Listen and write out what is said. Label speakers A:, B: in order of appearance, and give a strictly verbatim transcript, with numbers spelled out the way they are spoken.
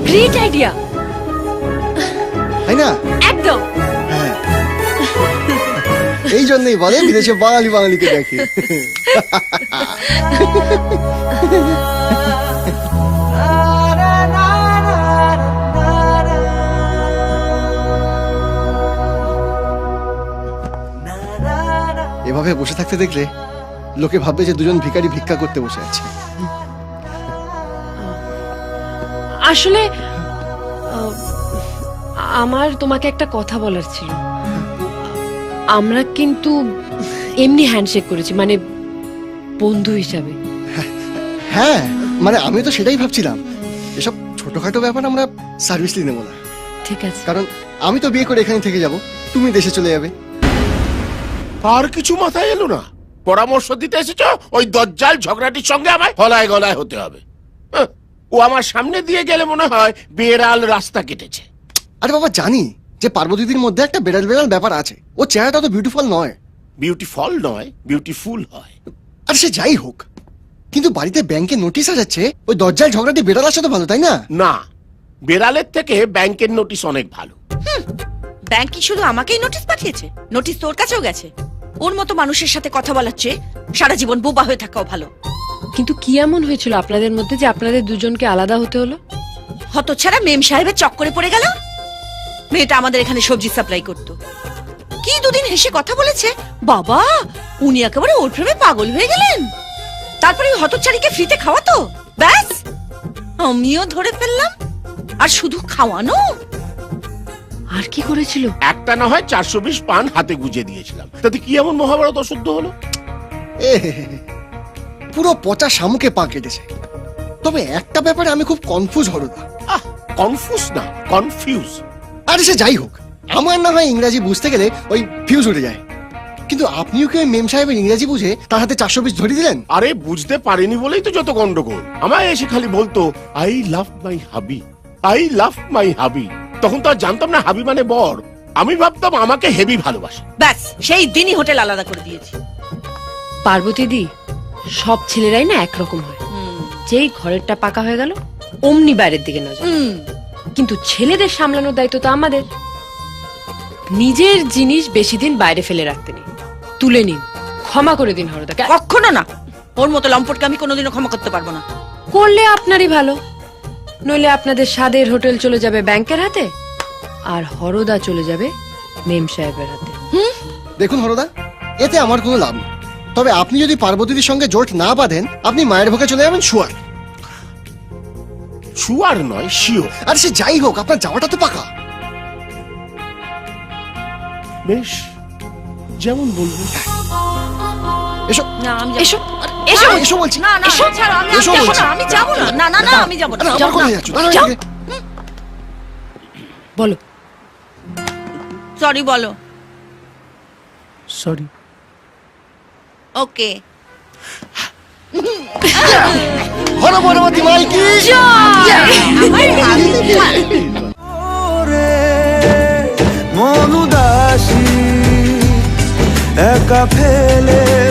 A: Great idea,
B: তাই না?
A: একদম।
B: হ্যাঁ, এই জন্যই বলে বিদেশে বাঙালি বাঙালিকে দেখে। এভাবে বসে থাকতে দেখলে লোকে ভাববে যে দুজন ভিখারি ভিক্ষা করতে বসে আছে।
A: আসলে আহ, আমার তোমাকে একটা কথা বলার ছিল। আমরা কিন্তু এমনি হ্যান্ডশেক করেছি, মানে বন্ধু হিসাবে।
B: হ্যাঁ, মানে আমি তো সেটাই ভাবছিলাম, এসব ছোটখাটো ব্যাপার আমরা সার্ভিসলি নেবো না।
A: ঠিক আছে,
B: কারণ আমি তো বিয়ে করে এখানে থেকে যাব, তুমি দেশে চলে যাবে।
C: আর কিছু মাথায় এলো না? পরামর্শ দিতে এসেছো ওই দজ্জাল ঝগড়াটির সঙ্গে আমায় গলায় গলায় হতে হবে? হ্যাঁ, ও আমার সামনে দিয়ে গেলে মনে হয় বেড়াল রাস্তা কেটেছে।
B: আরে বাবা, জানি যে পার্বতীদির মধ্যে একটা বেড়াল বেড়াল ব্যাপার আছে, ও চেহারাটা তো বিউটিফুল নয়।
C: বিউটিফুল নয়, বিউটিফুল হয়।
B: আর সে যাই হোক, কিন্তু বাড়িতে ব্যাংকে নোটিশ যাচ্ছে, ওই দরজাল ঝগড়াটি বেড়াল আসা তো ভালো, তাই না?
C: না, বেড়ালের থেকে ব্যাংকের নোটিশ অনেক ভালো।
D: ব্যাংক কি শুধু আমাকেই নোটিশ পাঠিয়েছে? নোটিশ তোর কাছেও গেছে। ওর মতো মানুষের সাথে কথা বলার চেয়ে সারা জীবন বোবা হয়ে থাকাও ভালো।
A: কিন্তু কি এমন হয়েছিল আপনাদের মধ্যে যে আপনাদের দুজনকে আলাদা হতে হলো?
D: হতচ্ছাড়া মেম সাহেবের চক্করে পড়ে গেল। মেয়েটা আমাদের এখানে সবজি সাপ্লাই করত, কি দুদিন হেসে কথা বলেছে, বাবা উনি একেবারে ওর প্রেমে পাগল হয়ে গেলেন। তারপরে ওই হতচ্ছাড়িকে ফ্রিতে খাওয়াতো, ব্যাস আমিও ধরে ফেললাম। আর শুধু খাওয়ানো,
A: আর কি করেছিল?
C: একটা না হয় চারশো বিশ পান হাতে গুজে দিয়েছিলাম, তাতে কি এমন মহাভারত অশুদ্ধ হলো?
B: এ হে হে হে, পুরো পচা শামুকে পা কেটেছে। তবে একটা ব্যাপারে আমি খুব কনফিউজ হরদা।
C: আহ, কনফিউজ না, কনফিউজ।
B: আরে সে যাই হোক, আমার না হয় ইংরাজি বুঝতে গেলে ওই ফিউজ উঠে যায়, কিন্তু আপনিও কি ওই মেম সাহেবের ইংরাজি বুঝে তার হাতে চারশো পিস ধরিয়ে দিলেন?
C: আরে বুঝতে পারিনি বলেই তো যত গন্ডগোল। আমায় এসে খালি বলতো আই লাভ মাই হাবি, আই লাভ মাই হাবি। তখন তো আর জানতাম না হাবি মানে বর। আমি ভাবতাম আমাকে হেভি ভালোবাসে।
D: ব্যাস সেই দিনই হোটেল আলাদা করে দিয়েছি।
A: পার্বতী দি, সব ছেলেরাই না একরকম হয়। যেই ঘরেরটা পাকা হয়ে গেল অমনি বাইরের দিকে নজর। কিন্তু ছেলেদের সামলানোর দায়িত্ব তো আমাদের। নিজের জিনিস বেশি দিন বাইরে ফেলে রাখতে নেই, তুলে নিন, ক্ষমা করে দিন হরদাকে।
D: কখনো না, ওর মতো লম্পটকে আমি কোনোদিনও ক্ষমা করতে পারবো না।
A: করলে আপনারই ভালো, নইলে আপনাদের স্বাদের হোটেল চলে যাবে ব্যাংকের হাতে, আর হরদা চলে যাবে মেম সাহেবের হাতে।
B: দেখুন হরদা, এতে আমার কোনো লাভ নেই। তবে আপনি যদি পার্বতীদের সঙ্গে জোট না বাঁধেন, আপনি মায়ের ভোগে চলে যাবেন শুয়ার।
C: শুয়ার নয়, শিওর।
B: আর সে যাই হোক, আপনার যাওয়াটা তো পাকা।
C: বেশ, যেমন বলবো।
B: এসো
D: না আমি
A: এসো
B: এসো
A: এসো
B: এসো বলছি।
D: না না
B: এসো,
D: ছাড়ো, আমি
B: এসো
D: যাবো
B: বলছি।
D: না, আমি যাবো না। না না না আমি যাবো না।
B: আরে আমার কোথায় যাচ্ছ? দাঁড়াও
A: যাও।
B: এদিকে।
A: বলো।
D: সরি বলো।
C: সরি।
D: ওকে।
B: হর পরবর্তী মাইকি
E: মন উদাসী একা ফেলে